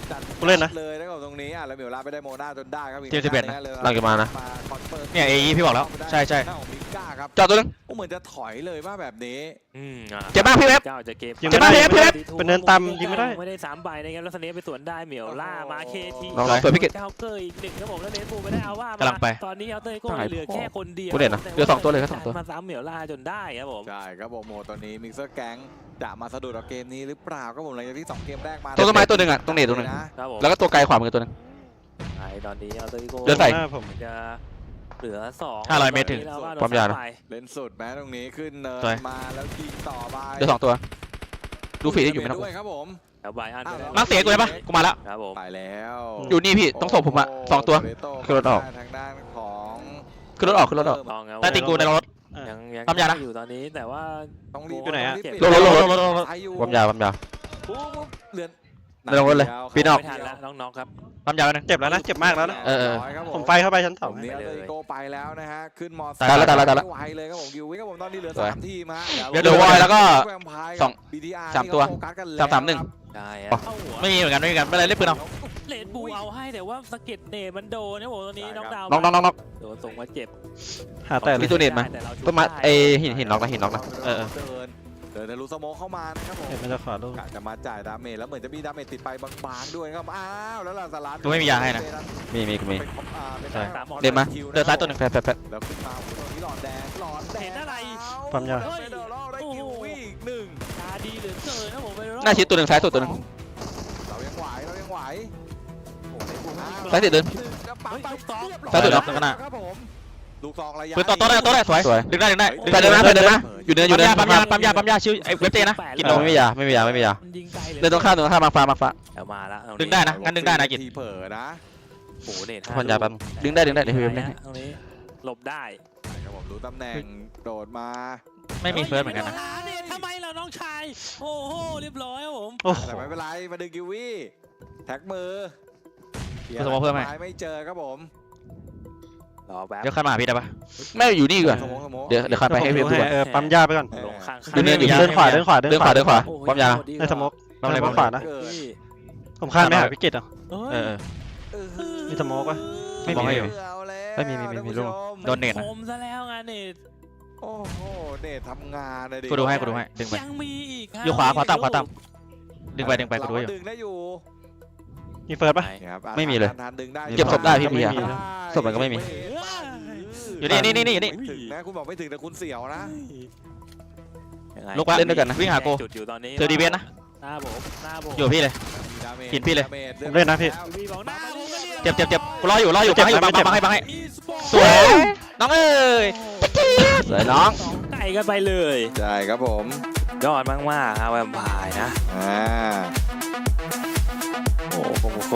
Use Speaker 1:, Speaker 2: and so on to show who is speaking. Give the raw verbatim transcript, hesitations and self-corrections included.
Speaker 1: กูเล่นนะ
Speaker 2: เลยนะครับตรงนี้อ่ะแล้วเมียวลาไปได้โมนาจนได้ครับ
Speaker 3: ทีมสิบเอ็ดนะหลังจากมานะเนี่ยเอพี่บอกแล้วใช่ใช่
Speaker 2: มิก้าครับ
Speaker 3: จอดตัวนึง
Speaker 2: เหมือนจะถอยเลยว่าแบบนี้
Speaker 4: อืมอ่ะ
Speaker 3: เจ็บมากพี่เว็บ
Speaker 4: เจ้าจะเก็บ
Speaker 1: ยิงไม่ได้ยิงไม่ได้เป็นเนินต่ำยิงไม่ได้
Speaker 4: ไม่ได้สามใบนะครับแล้วสเนปไปสวนได้เหมียวล่ามาเคที
Speaker 3: น้องๆสวยพี่เกด
Speaker 4: เจ้าเกอร์อีกหนึ่งครับผมแล้วเนสปูไม่ได้เอาว่าก
Speaker 3: ำลังไป
Speaker 4: ตอนนี้เอาเตยโก้เหลือแค่คนเดียว
Speaker 3: กูเด่นนะเหลือสองตัวเลยแค่สองตัว
Speaker 4: มาซ้ำเหมียวล่าจนได้ครับผม
Speaker 2: ใช่ครับผมโมตอนนี้มิกเซอร์แก๊งจะมาสะดุดเอาเกมนี้หรือเปล่าครับผมหลังจากที่สองเกมแรกมา
Speaker 3: ตัวต้นไม้ตัวหนึ่งอ่ะตรงเนตตัวหนึ่ง
Speaker 4: ครับผม
Speaker 3: แล้วก็ตัวไกลขวามือตัวหนึ่ง
Speaker 4: ไอ้ตอนนี้เอาเตยโก้
Speaker 3: เดินใส่
Speaker 1: หน้าผม
Speaker 4: จะเหลือสอง
Speaker 3: ห้าร้อยเมตรถึง
Speaker 4: แล้วก็โดน
Speaker 3: ความยาวนะ
Speaker 4: ไป
Speaker 2: เล่นสุดแม้ตรงนี้ขึ้นเนิน
Speaker 3: สวย
Speaker 2: มาแล้วยิงต่อไป
Speaker 3: เดี๋ยวสองตัว ดูฝีที่อยู่ไหมนะ
Speaker 2: ด้วยครับผม
Speaker 4: แล้วใบอันไปแล้ว
Speaker 3: มาร์คเสียกูเลยปะกูมาแล้ว
Speaker 4: ครับผม
Speaker 2: ไปแล้ว
Speaker 3: อยู่นี่พี่ต้องส่งผมอะสองตัวขึ้นรถออก
Speaker 2: ทางด้านของ
Speaker 3: ขึ้นรถออกขึ้นรถออก
Speaker 4: ลองครับ
Speaker 3: ใต้ตีนกูในรถ
Speaker 4: ยังยัง
Speaker 3: ปั๊มยานะ
Speaker 4: อยู่ตอนนี้แต่ว่า
Speaker 2: ต้องรีบ
Speaker 1: อยู่ไหนอะ
Speaker 2: ต้งรีบ
Speaker 3: รถรถรถรถรถ
Speaker 2: ไปอยู่
Speaker 3: ความยาวความยาว
Speaker 2: ปุ๊บปุ๊บเหลือน
Speaker 3: ไม่ต้องรถเลยปีนออก
Speaker 4: ไม่ทันแล้วน้องๆครับ
Speaker 3: ความยาวนึง
Speaker 1: เจ็บแล้วนะเจ็บมากแล้วนะ
Speaker 3: เออเออ
Speaker 2: ร้ยครับ
Speaker 1: ผมไฟเข้าไปชั้นส
Speaker 2: ผ
Speaker 1: อง
Speaker 2: มเนี่ยเลยโกไปแล้วนะฮะขึ้นมอ
Speaker 3: ตายแล้วตายแล้วตายแล้ว
Speaker 2: ไม่ไหวเลยครับผมกิววิครับผมตอนนี้เหลือ
Speaker 3: สวย
Speaker 2: สามทีมฮะ
Speaker 3: เดี๋ยวเดี๋ยววอยแล้วก็
Speaker 2: แวมไพร์
Speaker 3: สอง
Speaker 2: กับ บี ที อาร์
Speaker 3: สามตัว
Speaker 2: ที่เขโฟกัสกันแล้ว
Speaker 3: สามสามหนึ่ง
Speaker 2: ครับ
Speaker 4: ได้ฮะ
Speaker 3: อ๋อ
Speaker 4: เข้าหัว
Speaker 3: ไม่มีเหมือนกันไม่มีเหมือนกันไม่เป็นไรเล่นปืนเอา
Speaker 4: เลดบูเอาให้แต่ว่าสะเก็ดเนตมันโดนนะผมตอนนี้น้องดาว
Speaker 3: น้องน้องน้องน้อง
Speaker 4: โดนส่งมาเจ็บ
Speaker 1: หาแต่เล
Speaker 3: มี
Speaker 1: ย
Speaker 3: ตัวเน็ตมา
Speaker 4: แต่เราชุบ
Speaker 3: ต้นไม้
Speaker 4: ได้
Speaker 3: ไอหินหินน็อกนะหินน็อกนะเออเออ
Speaker 2: เดินเดินทะลุสโมคเข้ามานะครับผม
Speaker 1: เห็นมันจะขวาลูก
Speaker 2: กะจะมาจ่ายดาเมจแล้วเหมือนจะมีดาเมจติดไปบางๆด้วยครับอ้าวแล้วลาซาลัส
Speaker 3: กูไม่มียาให้นะ มีมีกูมี
Speaker 2: เป็นของอ่าเป็น
Speaker 3: ใช่
Speaker 2: ทางของ
Speaker 3: เดินมา
Speaker 2: คิวะ
Speaker 3: เดินซ้ายตัวหนึ่งแฟดแฟดแฟด
Speaker 2: แล้วขึ้นมาตรงนี้หลอดแดงหลอดแดง
Speaker 4: เห็นอะไร
Speaker 1: ปั๊มยา
Speaker 2: เฮ้ยเดอร์ลได้คิววี่อีกหนึ่ง
Speaker 4: ตาดีเหลือเกินนะผมไปรอบ
Speaker 3: หน้าชิดตัวหนึ่งซ้ายสุดตัวหนึ่ง
Speaker 2: เรายังไหวเรายังไหวโอ้โหในบูม
Speaker 3: ซ้ายสุดเดิน
Speaker 2: แล้วปั๊มไปเรียบร้อย
Speaker 3: ซ้ายสุดน็อกข้างหน้า
Speaker 2: ครับผมลูกซองระยะ
Speaker 3: ปืนต่อโต๊ะได้โต๊ะได้สวย
Speaker 1: สวย
Speaker 3: ดึงได้ดึงได้แฟดเดินมาแฟดเดินมาอยู่เนินอยู่เนินปั๊มยาปั๊มยาปั๊มยาชื่อไอเว็บเจนะกินโนไม่มียาไม่มียาไม่มียา
Speaker 4: มันยิงไกลเลย
Speaker 3: เดินตรงข้ามเดินตรงข้ามมาฟ้ามาฟ้า
Speaker 4: เอามาแล้ว
Speaker 3: ดึงได้นะ งั้นดึงได้นะกิจ
Speaker 2: ทีเผลอนะ
Speaker 4: โอ้โหเนต
Speaker 3: พันยาแป๊บดึงได้ดึงได้เดี๋ยวพี่เว็บเล่นให้
Speaker 4: ตรงนี้หลบได้
Speaker 2: ครับผมรู้ตำแหน่งโดดมา
Speaker 3: ไม่มีเฟิร์สเหมือนกันนะ
Speaker 4: หาเนตทำไมเราน้องชายโอ้โหเรียบร้อยครับผม
Speaker 1: โอ้โห
Speaker 2: แต่ไม่เป็นไรมาดึงกิววี่แท็กมือ
Speaker 3: กูสมมติเพิ่มให้
Speaker 2: ไม่เจอครับผม
Speaker 4: รอแป๊บ
Speaker 3: เดี๋ยวข้ามมาหาพี่ได้ปะไม่อยู่นี่ดีกว่า
Speaker 2: สมองสมอง
Speaker 3: เดี๋ยวเดี๋ยวข้ามไปให้เว็บดูก่อน
Speaker 1: เออปั๊มยาไปก่อน
Speaker 4: ลงข้าง
Speaker 3: ดูเนินอยู่
Speaker 1: เดินขวาเดินขวา
Speaker 3: เดินขวาเดินขวา
Speaker 4: โอ้โห
Speaker 3: ความยาว
Speaker 1: ไอ้สมก
Speaker 3: ปั๊มอะไร
Speaker 1: ปั๊
Speaker 3: ปั๊
Speaker 1: ม
Speaker 3: ม
Speaker 1: ขวานะ
Speaker 2: เกิด
Speaker 4: นี่
Speaker 1: ผมข้ามไม่หาพิกิตอ่ะ
Speaker 4: เอ้ย
Speaker 3: เออ
Speaker 2: เออ
Speaker 1: มีสโมกปะ
Speaker 3: ไม่มี
Speaker 1: ไม่มี
Speaker 2: เอาแล้ว
Speaker 3: ไม่มีไม่มีมีลูก
Speaker 2: ท่านผู้ช
Speaker 3: โดนเนต
Speaker 4: ผ
Speaker 3: นะ
Speaker 4: มซะแล้วงานเนต
Speaker 2: โอ้โหเนตทำงานเลยดิ
Speaker 3: กูดูให้กูดูให้ดึงไป
Speaker 4: ยังมีอีก
Speaker 3: อยู่ขวาขวาต่ำขวาต่ำดึงไปดึงไปกูดูอยู่
Speaker 2: เราดึงได้อยู่
Speaker 1: มีเฟิร์สปะ
Speaker 2: ครับ
Speaker 3: ไม่มีเลย
Speaker 2: ทานดึงได้
Speaker 3: เก็บศพได้พี่
Speaker 1: ไม่
Speaker 3: พี่
Speaker 1: มี
Speaker 3: อะ
Speaker 1: นะ
Speaker 3: ศพมันก็ไม่มี อยู่นี่นี่นี่นี่อยู่นี่
Speaker 2: ไม่ถึงนะคุณบอกไม่ถึงแต่คุณเสียวนะ
Speaker 4: ยังไง
Speaker 3: ลุกวะเล่นด้วยกันนะวิ่งหากู
Speaker 4: จุดอยู่ตอนนี้
Speaker 3: เจอดีเวนนะ
Speaker 4: หน้าผมหน้าผม
Speaker 3: อยู่กับพี่เลย
Speaker 2: ดาเมจ
Speaker 3: กินพี่เลย
Speaker 2: ดามจ
Speaker 1: ผมเล่นนะพี่
Speaker 4: พี่บอกหน้าผมก็รีย
Speaker 3: เจ็บเจ็บเจ็บกูรออยู่รออยู่
Speaker 1: เจ็
Speaker 3: บั
Speaker 1: บ
Speaker 3: งให้อยู่บัง
Speaker 1: ไม่เจ็บ
Speaker 3: บังให้บังให้
Speaker 4: อีสปอร์ต
Speaker 3: สวย น้องเอ้ยสวยน้อง
Speaker 4: สองไก่กันไปเลย
Speaker 2: ใช่ครับผม
Speaker 4: ยอดมากๆครับแวมไพร์นะ
Speaker 2: อ่า
Speaker 4: โอ้โห